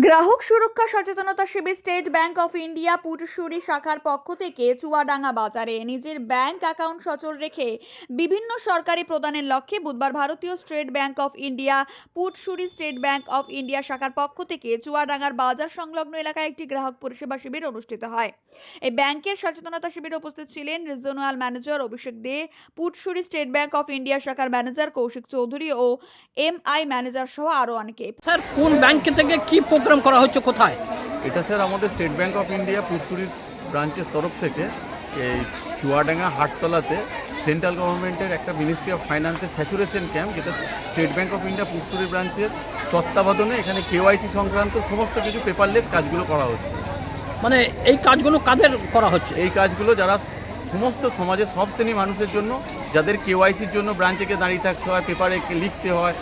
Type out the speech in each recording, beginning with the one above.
গ্রাহক সুরক্ষা সচেতনতা শিবির State Bank of India Putushuri শাখার পক্ষ থেকে চুয়াডাঙ্গা বাজারে নিজের ব্যাংক অ্যাকাউন্ট সচল রেখে বিভিন্ন সরকারি প্রদানের লক্ষ্যে বুধবার ভারতীয় State Bank of India Putshuri State Bank of India শাখার পক্ষ থেকে চুয়াডাঙ্গার বাজার সংলগ্ন এলাকায় একটি গ্রাহক পরিষেবা শিবির অনুষ্ঠিত হয়। এই ব্যাংকের সচেতনতা শিবিরে উপস্থিত ছিলেন regional manager Abhishek Dey, Putshuri State Bank of India শাখার ম্যানেজার কৌশিক চৌধুরী ও এমআই ম্যানেজার সহ আরো অনেকে। স্যার, কোন ব্যাংক থেকে কি প্রোগ্রাম করা হচ্ছে, কোথায়? এটা স্যার আমাদের State Bank of India Putsuri ব্রাঞ্চের তরফ থেকে এই চুয়াডাঙ্গা হাটতলাতে সেন্ট্রাল গভর্নমেন্টের একটা মিনিস্ট্রি অফ ফাইন্যান্সের স্যাচুরেশন ক্যাম্প, যেটা State Bank of India Putsuri ব্রাঞ্চের তত্ত্বাবধানে এখানে কেওয়াইসি সংক্রান্ত সমস্ত কিছু পেপারলেস কাজগুলো করা হচ্ছে। মানে এই কাজগুলো কাদের করা হচ্ছে? এই কাজগুলো যারা সমস্ত সমাজের সব শ্রেণী মানুষের জন্য, যাদের কেওয়াইসির জন্য ব্রাঞ্চে দাঁড়িয়ে থাকতে হয়, পেপারে লিখতে হয়,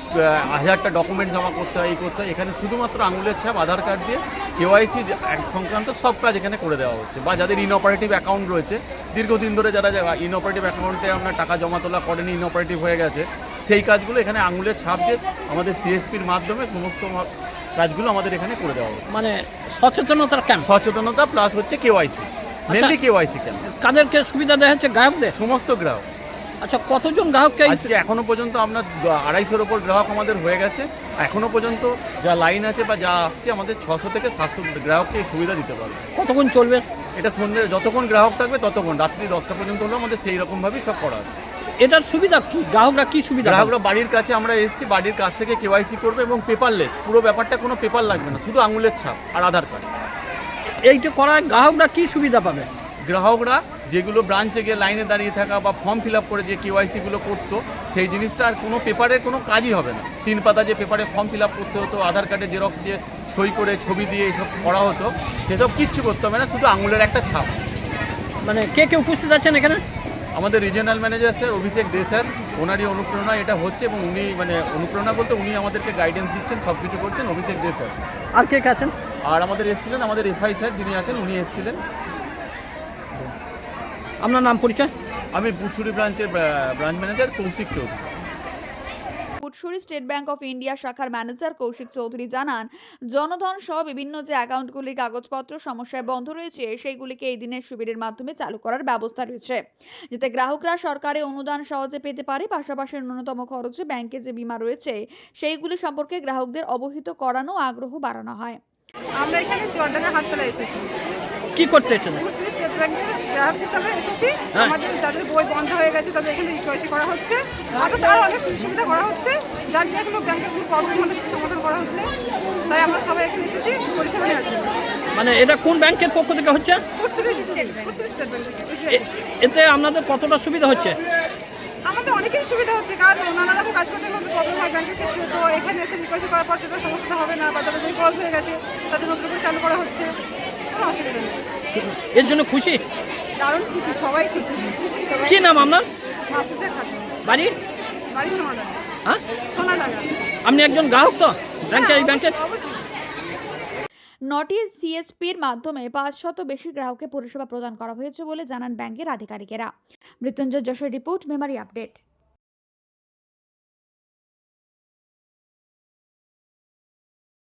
1000টা ডকুমেন্ট জমা করতে হয়, এই করতে হয়, এখানে শুধুমাত্র আঙুলের ছাপ আধার কার্ড দিয়ে কেওয়াইসি সংক্রান্ত সব কাজ এখানে করে দেওয়া হচ্ছে। বা যাদের ইনঅপারেটিভ অ্যাকাউন্ট রয়েছে, দীর্ঘদিন ধরে যারা ইনঅপারেটিভ অ্যাকাউন্টে আপনার টাকা জমা তোলা করেনি, ইনঅপারেটিভ হয়ে গেছে, সেই কাজগুলো এখানে আঙুলের ছাপ দিয়ে আমাদের সিএসপির মাধ্যমে সমস্ত কাজগুলো আমাদের এখানে করে দেওয়া হচ্ছে। মানে সচেতনতার ক্যাম্প, সচেতনতা প্লাস হচ্ছে কেওয়াইসি, মেনলি কেওয়াইসি ক্যাম্প। কাদেরকে সুবিধা দেওয়া হচ্ছে? গ্রাহকদের? সমস্ত গ্রাহক। আচ্ছা, কতজন গ্রাহককে? আজকে এখনো পর্যন্ত আমরা 250-এর ওপর গ্রাহক আমাদের হয়ে গেছে। এখনো পর্যন্ত যা লাইন আছে বা যা আসছে, আমাদের 600 থেকে 700 গ্রাহককে এই সুবিধা দিতে পারবে। কতক্ষণ চলবে এটা? সন্ধ্যে যতক্ষণ গ্রাহক থাকবে ততক্ষণ, রাত্রি 10টা পর্যন্ত হলেও আমাদের সেই রকমভাবেই সব করা আছে। এটার সুবিধা কি? গ্রাহকরা কি সুবিধা? গ্রাহকরা বাড়ির কাছে আমরা এসেছি, বাড়ির কাছ থেকে কেওয়াইসি করবে এবং পেপারলেস, পুরো ব্যাপারটা কোনো পেপার লাগবে না, শুধু আঙুলের ছাপ আর আধার কার্ড। এইটা করায় গ্রাহকরা কি সুবিধা পাবে? গ্রাহকরা যেগুলো ব্রাঞ্চে গিয়ে লাইনে দাঁড়িয়ে থাকা বা ফর্ম ফিল আপ করে যে কেওয়াইসিগুলো করতো, সেই জিনিসটা আর কোনো পেপারের কোনো কাজই হবে না। 3 পাতা যে পেপারে ফর্ম ফিল আপ করতে হতো, আধার কার্ডে জেরক্স দিয়ে সই করে ছবি দিয়ে এসব করা হতো, সেসব কিচ্ছু করতে হবে না, শুধু আঙুলের একটা ছাপ। মানে কে কে উপস্থিত আছেন এখানে? আমাদের regional manager sir Abhishek Dey sir, ওনারই অনুপ্রেরণা এটা হচ্ছে, এবং উনি মানে অনুপ্রেরণা বলতে উনি আমাদেরকে গাইডেন্স দিচ্ছেন, সব কিছু করছেন, অভিষেক দে স্যার। আর কে কে আছেন? আর আমাদের এসেছিলেন আমাদের এফআই স্যার যিনি আছেন, উনি এসেছিলেন। আপনার নাম, পরিচয়? আমি পুটসুরি ব্রাঞ্চের branch manager Koushik Chowdhury. পুটশুরি State Bank of India শাখার ম্যানেজার কৌশিক চৌধুরী জানান, জনধন সহ বিভিন্ন যে অ্যাকাউন্টগুলির কাগজপত্র সমস্যায় বন্ধ রয়েছে, সেইগুলিকে এই দিনের শিবিরের মাধ্যমে চালু করার ব্যবস্থা রয়েছে, যাতে গ্রাহকরা সরকারি অনুদান সহজে পেতে পারে। পাশাপাশি ন্যূনতম খরচে ব্যাংকে যে বীমা রয়েছে, সেইগুলি সম্পর্কে গ্রাহকদের অবহিত করানো, আগ্রহ বাড়ানো হয়। আমরা এখানে চুয়াডাঙ্গা হাটতলায় এসেছি। কি করতে এসেছেন? পুটসুরি স্টেট ব্যাংকের গ্রাহক হিসাবে এসেছি। হ্যাঁ। আমাদের যাদের বই বন্ধ হয়ে গেছে তাদের এখানে রিকোয়েস্ট করা হচ্ছে, আরও অনেক সুযোগ সুবিধা করা হচ্ছে, যার যেগুলো ব্যাংকের কোনো প্রবলেম হলে সেটা সমাধান করা হচ্ছে। তাই আমরা সবাই এখানে এসেছি পরিষেবা নেওয়ার জন্য। মানে এটা কোন ব্যাংকের পক্ষ থেকে হচ্ছে? Putsuri State Bank. এতে আপনাদের কতটা সুবিধা হচ্ছে? আমাদের অনেকেই সুবিধা হচ্ছে, কারণ নানা রকম কাজ করতে গেলে প্রবলেম হয় ব্যাংকের ক্ষেত্রে। তো এখানে এসে রিকোয়েস্ট করার পর সেটা সমস্যাটা হবে না, বা যাদের বই ক্লোজ হয়ে গেছে তাদের নতুন করে চালু করা হচ্ছে, কোনো অসুবিধা নেই। এর জন্য খুশি? দারুণ খুশি, সবাই খুশি। কি নাম আপনার? মাহফুজা খাতুন। বাড়ি? বাড়ি সোনাডাঙ্গা। হ্যাঁ, সোনাডাঙ্গা। আপনি একজন গ্রাহক তো ব্যাংকের? এই ব্যাংকের অবশ্যই। নোটিশ সিএসপির মাধ্যমে 500 বেশি গ্রাহককে পরিষেবা প্রদান করা হয়েছে বলে জানান ব্যাংকের আধিকারিকেরা। Mrityunjoy Jessore report, Memari update.